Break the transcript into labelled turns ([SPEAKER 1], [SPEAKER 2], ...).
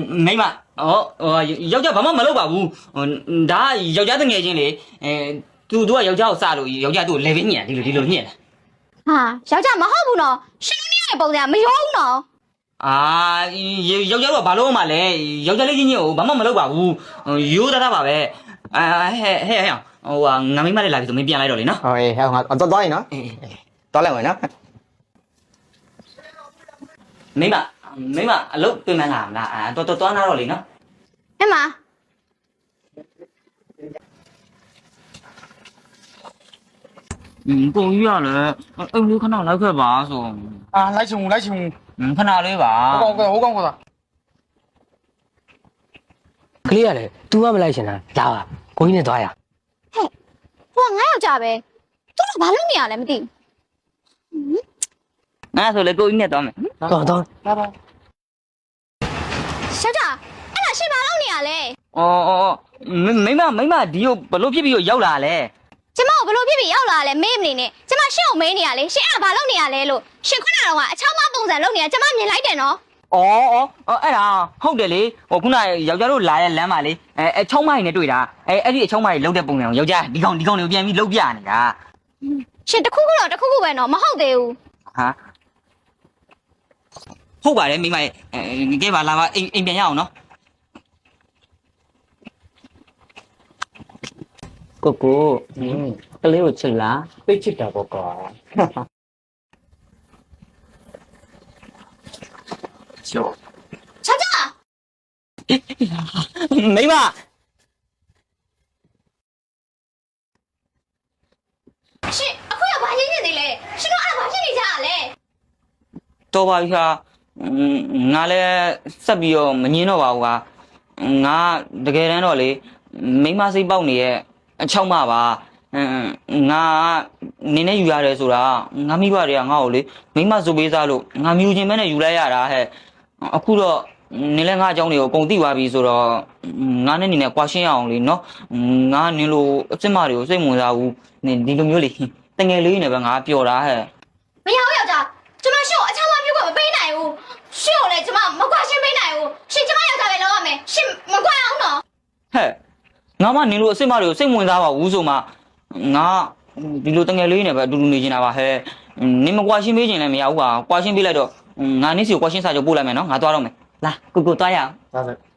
[SPEAKER 1] မိမယောက်ျားဘာမှမလုပ်ပါဘူးဒါယောက်ျားတငယ်ချင်းလေသူကယောက်ျားကိုစလို့ယောက်ျားသူ့ကိုလေဗင်းညံဒီလိုညံ့
[SPEAKER 2] ဟာယောက်ျားမဟုတ်ဘူးနော်ရှင်နေရဲ့ပုံစံမရောဘူးနော်
[SPEAKER 1] အာယောက်ျားတို့ကဘာလို့မှလဲယောက်ျားလေးချင်းကိုဘာမှမလုပ်ပါဘူးရိုးသားပါပဲဟဲ့ငါမိမလေးလာပြီဆိုမင်းပြန်လိုက်တော့လေနော်
[SPEAKER 3] ဟောဟဲ့ငါသွားရင်နော်သွားလိုက်မယ်နော်
[SPEAKER 1] မိမအလုပ်ပြင်မှန်းလာမလားတော်သွားနာတော့လေနော်
[SPEAKER 2] အမ
[SPEAKER 1] ကိုကြီးရလေအိမ်လေးခဏလိုက်ခဲ့ပါဆို
[SPEAKER 3] လိုက်ချင်ခဏ
[SPEAKER 1] လေးပါ
[SPEAKER 3] ဟိုကောင်ကကလေးရတယ် तू ကမလိုက်ချင်တာလာပါကိုကြီးနဲ့သွားရ
[SPEAKER 2] ဟဲ့ဟိုငါယောက်ျားပဲသူတို့ဘာလုပ်နေရလဲမသိ
[SPEAKER 1] ငါဆိုလေကိုကြီးနဲ့သွားမယ်
[SPEAKER 3] တော့လာပါ
[SPEAKER 2] ယောက်ျားအဲ့ဒါရှင်ဘာလုပ်နေရလဲ
[SPEAKER 1] မိမဒီကိုဘလို့ဖြစ်ပြီးရောက်လာလဲ
[SPEAKER 2] ကျမကိုဘလို့ဖြစ်ပြီးရောက်လာလဲမေးမနေနဲ့ကျမရှင့်ကိုမေးနေရလေရှင်အဲ့ဒါဘာလုပ်နေရလဲလို့ရှင်ခုနကတော့ကအချောင်းမပုံစံလုပ်နေရကျမမြင်လိုက်တယ်နော်
[SPEAKER 1] အဲ့ဒါဟုတ်တယ်လေခုနယောက်ျားတို့လာရဲ့လမ်းမှာလေအချောင်းမကြီးနဲ့တွေ့တာအဲ့ဒီအချောင်းမကြီးလှုပ်တဲ့ပုံစံကိုယောက်ျားဒီကောင်တွေကိုပြန်ပြီးလှုပ်ပြနေတာ
[SPEAKER 2] ရှင်တခုခုပဲနော်မဟုတ်သေးဘူး
[SPEAKER 1] ဟာဟုတ်ပါတယ်မိမရဲ့ကဲပါလာပါအိမ်ပြန်ရအောင်နော်ကိုကလေးကိုချစ်လား
[SPEAKER 3] သိချစ်တာပေါ့ကွာ
[SPEAKER 1] ကျော်
[SPEAKER 2] ယောက်ျား
[SPEAKER 1] မိမ
[SPEAKER 2] ရှင်အခုရဘာရင်းနေသေးလဲရှင်တို့အဲ့ဘာဖြစ်နေကြရလဲ
[SPEAKER 1] တော်ပါပြီဟာငါလည်းဆက်ပြီးတော့မငင်းတော့ပါဘူးဟာငါတကယ်တမ်းတော့လေမိမစိတ်ပေါက်နေရဲ့အချောက်မပါငါနင်းနဲ့ယူရတယ်ဆိုတာငါမိဘတွေကငါ့ကိုလေမိမစုပေးစားလို့ငါမြူချင်းမဲနဲ့ယူလိုက်ရတာဟဲ့အခုတော့နင်းလည်းငါအကြောင်းတွေကိုအကုန်သိသွားပြီဆိုတော့ငါနဲ့နင်းနဲ့ကွာရှင်းရအောင်လေနော်ငါနင်းလိုအစ်စ်မတွေကိုစိတ်ဝင်စားဘူးနင်းဒီလိုမျိုးလေတငယ်လေးနဲ့ပဲငါပျော်တာဟဲ့
[SPEAKER 2] မရဘူးယောက်ျားကျမရှင်ကိုအချောင်းမပြုတ်ကမပေးနိုင်ဘူးရှင်ကိုလည်းကျမမကွာရှင်းပေးနိုင်ဘူးရှင်ကျမယောက်ျားပဲလုပ်ရမယ်ရှင်မကွာအောင်နော်
[SPEAKER 1] ဟဲ့ငါမနင်းလိုအစ်စ်မတွေကိုစိတ်ဝင်စားပါဘူးဆိုမှငါဒီလိုတငယ်လေးနဲ့ပဲအတူတူနေနေတာပါဟဲ့နင်းမကွာရှင်းပေးခြင်းလည်းမရဘူးပါကွာရှင်းပေးလိုက်တော့ငါနင်းစီကိုကွာရှင်းစာချုပ်ပို့လိုက်မယ်နော်ငါသွားတော့မယ်လာကိုသွားရအောင်
[SPEAKER 3] သွားစ